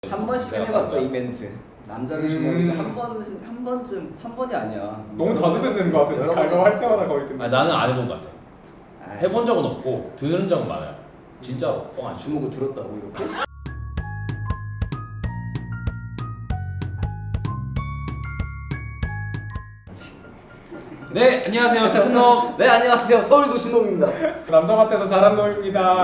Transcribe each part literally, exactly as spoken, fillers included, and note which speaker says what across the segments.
Speaker 1: 한 번씩은 해봤죠 이 멘트. 남자를 주먹이지 한 번은 한 번쯤 한 번이 아니야.
Speaker 2: 너무 자주 듣는 것 같은데 갈굼할 때마다 거의 듣는.
Speaker 3: 아니, 나는 안 해본 것 같아. 해본 적은 없고 들은 적은 많아요. 진짜로 뻥 안 치고.
Speaker 1: 주먹을 들었다고 이렇게?
Speaker 3: 네, 안녕하세요. 특놈.
Speaker 1: 네 안녕하세요 서울도시놈입니다.
Speaker 2: 남자 같아서 잘한 놈입니다.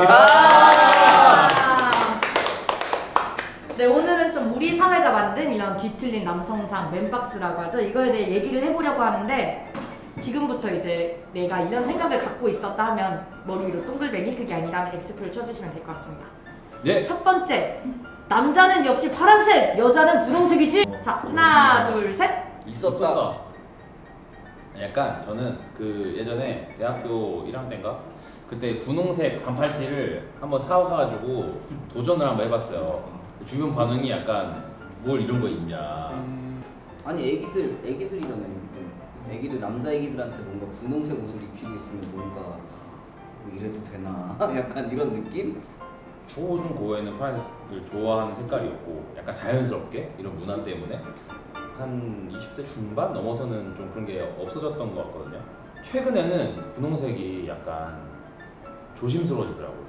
Speaker 4: 네, 오늘은 좀 우리 사회가 만든 이런 뒤틀린 남성상 맨박스라고 하죠. 이거에 대해 얘기를 해보려고 하는데 지금부터 이제 내가 이런 생각을 갖고 있었다 하면 머리 위로 동글뱅이, 그게 아니라면 엑스표를 쳐주시면 될 것 같습니다.
Speaker 3: 네.
Speaker 4: 첫 번째, 남자는 역시 파란색, 여자는 분홍색이지? 자, 하나, 둘, 셋.
Speaker 1: 있었다.
Speaker 3: 약간 저는 그 예전에 대학교 일 학년 때인가 그때 분홍색 반팔티를 한번 사와가지고 도전을 한번 해봤어요. 주변 반응이 약간 뭘 이런 거 입냐.
Speaker 2: 음,
Speaker 1: 아니 애기들 애기들이잖아요. 애기들 남자 애기들한테 뭔가 분홍색 옷을 입히고 있으면 뭔가 하, 뭐 이래도 되나? 약간 이런 느낌?
Speaker 3: 초중 고에는 파란색을 좋아하는 색깔이었고 약간 자연스럽게 이런 문화 때문에 한 이십 대 중반 넘어서는 좀 그런 게 없어졌던 것 같거든요. 최근에는 분홍색이 약간 조심스러워지더라고요.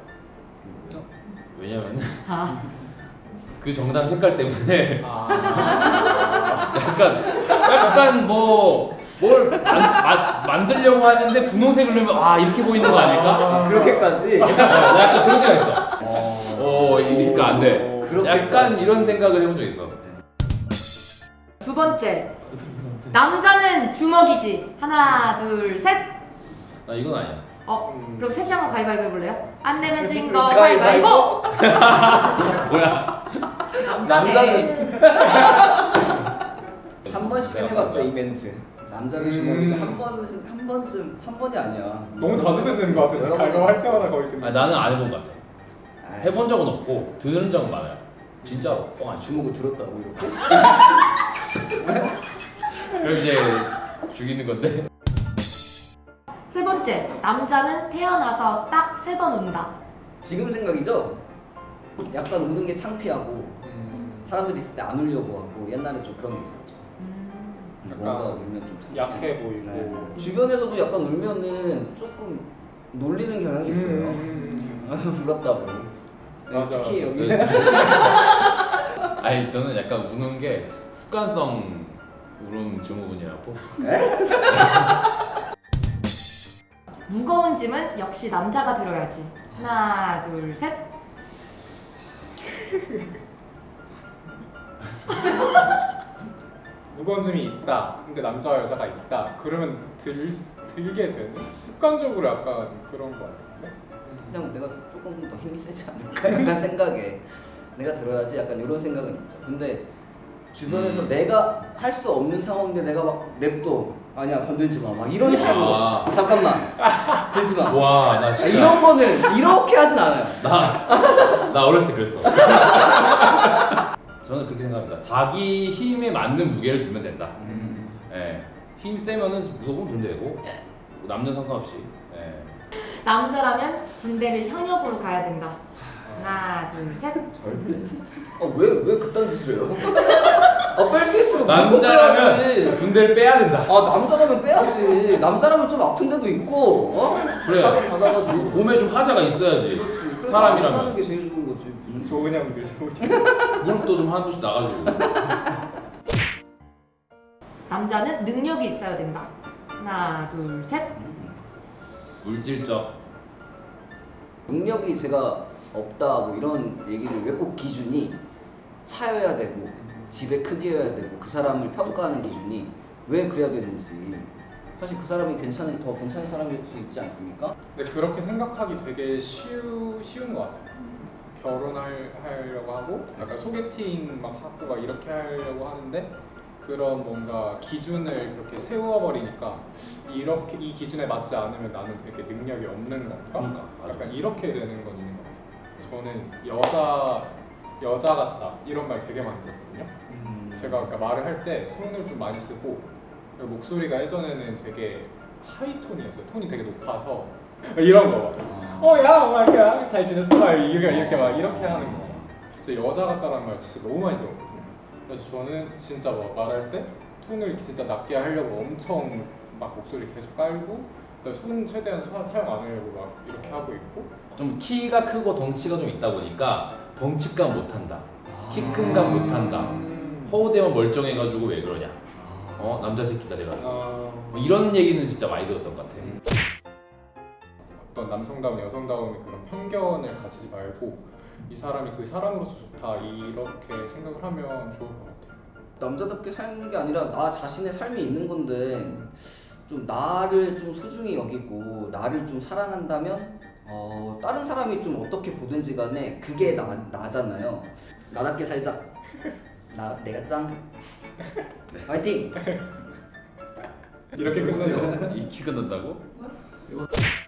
Speaker 3: 왜냐면은
Speaker 4: 아,
Speaker 3: 그 정당 색깔 때문에
Speaker 2: 아,
Speaker 3: 약간 약간 뭐 뭘 만들려고 하는데 분홍색을 넣으면 아 이렇게 보이는 거 아닐까?
Speaker 1: 그렇게까지?
Speaker 3: 어, 나 약간 그런 생각 있어. 어, 이 색깔 안 돼.
Speaker 1: 그렇게까지.
Speaker 3: 약간 이런 생각을 해본 적 있어.
Speaker 4: 두 번째, 남자는 주먹이지. 하나, 둘, 셋.
Speaker 3: 나 이건 아니야.
Speaker 4: 어,
Speaker 2: 음.
Speaker 4: 그럼 셋이 한번 가위바위보 해볼래요? 안 되면 진 거
Speaker 1: 가위바위보.
Speaker 4: 가위바위보.
Speaker 3: 뭐야?
Speaker 4: 남자네.
Speaker 1: 한 번씩은
Speaker 3: 내가
Speaker 1: 해봤죠
Speaker 3: 뭔가-
Speaker 1: 이 멘트. 남자를
Speaker 2: 음.
Speaker 1: 주먹이지 한 번은 한 번쯤 한 번이 아니야.
Speaker 2: 너무 자주 듣는 것 같은데 갈굼할 때마다 거의 듣는.
Speaker 3: 아니, 나는 안 해본 것 같아.
Speaker 1: 아이,
Speaker 3: 해본 적은 없고 들은 적은 많아요. 진짜로 뻥 안 치고.
Speaker 1: 주먹을 들었다고 이렇게?
Speaker 3: 그럼 이제 죽이는 건데.
Speaker 4: 세 번째, 남자는 태어나서 딱 세 번 운다.
Speaker 1: 지금 생각이죠? 약간 우는 게 창피하고
Speaker 2: 음,
Speaker 1: 사람들이 있을 때 안 울려고 하고 옛날에 좀 그런 게 있었죠.
Speaker 4: 음.
Speaker 1: 뭔가
Speaker 2: 약간
Speaker 1: 울면 좀 창피해.
Speaker 2: 약해 보이고.
Speaker 1: 네. 주변에서도 약간 울면은 조금 놀리는 경향이 있어요.
Speaker 2: 음,
Speaker 1: 울었다고. 네,
Speaker 2: 맞아.
Speaker 1: 특히 여기.
Speaker 3: 아니 저는 약간 우는 게 습관성 울음 증후군이라고.
Speaker 4: 무거운 짐은 역시 남자가 들어야지. 하나, 둘, 셋.
Speaker 2: 무거운 점이 있다. 근데 남자와 여자가 있다. 그러면 들 들게 되는 습관적으로 약간 그런 것 같은데. 음.
Speaker 1: 그냥 내가 조금 더 힘이 세지 않을까 약간 생각에 내가 들어야지 약간 이런 생각은 있죠. 근데 주변에서
Speaker 3: 음.
Speaker 1: 내가 할 수 없는 상황인데 내가 막 냅둬 아니야 건들지 마 막 이런 식으로
Speaker 3: 아.
Speaker 1: 잠깐만 들지 마
Speaker 3: 와, 나 진짜
Speaker 1: 이런 거는 이렇게 하진 않아요.
Speaker 3: 나, 나 어렸을 때 그랬어. 저는 그렇게 생각합니다. 자기 힘에 맞는 무게를 들면 된다.
Speaker 1: 음.
Speaker 3: 예. 힘 세면은 무조건 들면 되고 뭐 남녀 상관없이. 예.
Speaker 4: 남자라면 군대를 현역으로 가야 된다. 하나, 둘, 셋.
Speaker 1: 절대. 아왜왜 그딴 짓을 해요? 아뺄 수 있으면 무조건
Speaker 3: 남자라면
Speaker 1: 빼야지.
Speaker 3: 군대를 빼야 된다.
Speaker 1: 아 남자라면 빼야지. 남자라면 좀 아픈 데도 있고 어?
Speaker 3: 그래.
Speaker 1: 사격 받아가지고.
Speaker 3: 몸에 좀 하자가 있어야지.
Speaker 1: 그렇지. 그래서
Speaker 3: 사람이라면.
Speaker 1: 하는 게 제일 좋은 거지.
Speaker 2: 좋은 형들 좋은 형.
Speaker 3: 무릎도 좀 한 번씩 나가지고.
Speaker 4: 남자는 능력이 있어야 된다. 하나, 둘, 셋.
Speaker 3: 물질적.
Speaker 1: 능력이 제가 없다 뭐 이런 얘기를 왜 꼭 기준이 차여야 되고 집의 크기여야 되고 그 사람을 평가하는 기준이 왜 그래야 되는지 사실 그 사람이 괜찮은 더 괜찮은 사람일 수 있지 않습니까?
Speaker 2: 근데 그렇게 생각하기 되게 쉬우, 쉬운 것 같아요. 결혼할 하려고 하고 약간 소개팅 막 하고 막 이렇게 하려고 하는데 그런 뭔가 기준을 그렇게 세워버리니까 이렇게 이 기준에 맞지 않으면 나는 되게 능력이 없는 건가?
Speaker 3: 그러니까, 맞아.
Speaker 2: 약간 이렇게 되는 건 있는 것 같아요. 저는 여자 여자 같다 이런 말 되게 많이 들었거든요. 제가 아까 말을 할 때 손을 좀 많이 쓰고 그리고 목소리가 예전에는 되게 하이톤이었어요. 톤이 되게 높아서 이런 거.
Speaker 1: 아.
Speaker 2: 어, 야, 막 이렇게 잘 지냈어? 막 이렇게 이렇게 막 이렇게 하는 거. 진짜 여자 같다라는 말 진짜 너무 많이 들었거든요. 그래서 저는 진짜 뭐 말할 때 톤을 진짜 낮게 하려고 엄청 막 목소리 계속 깔고 그다음에 손 최대한 사, 사용 안 하려고 막 이렇게 하고 있고
Speaker 3: 좀 키가 크고 덩치가 좀 있다 보니까 덩치감 못한다, 키 큰 감 못한다,
Speaker 2: 음.
Speaker 3: 허우대만 멀쩡해가지고 왜 그러냐, 어 남자 새끼가 돼가지고
Speaker 2: 아,
Speaker 3: 뭐 이런 얘기는 진짜 많이 들었던 것 같아.
Speaker 2: 음. 어떤 남성다운 여성다움의 그런 편견을 가지지 말고 이 사람이 그 사람으로서 좋다 이렇게 생각을 하면 좋을 것 같아요.
Speaker 1: 남자답게 사는 게 아니라 나 자신의 삶이 있는 건데 좀 나를 좀 소중히 여기고 나를 좀 사랑한다면 어, 다른 사람이 좀 어떻게 보든지 간에 그게 나, 나잖아요. 나답게 살자. 나 내가 짱. 화이팅.
Speaker 2: 이렇게 끝내요.
Speaker 3: 이 키 끊는다고?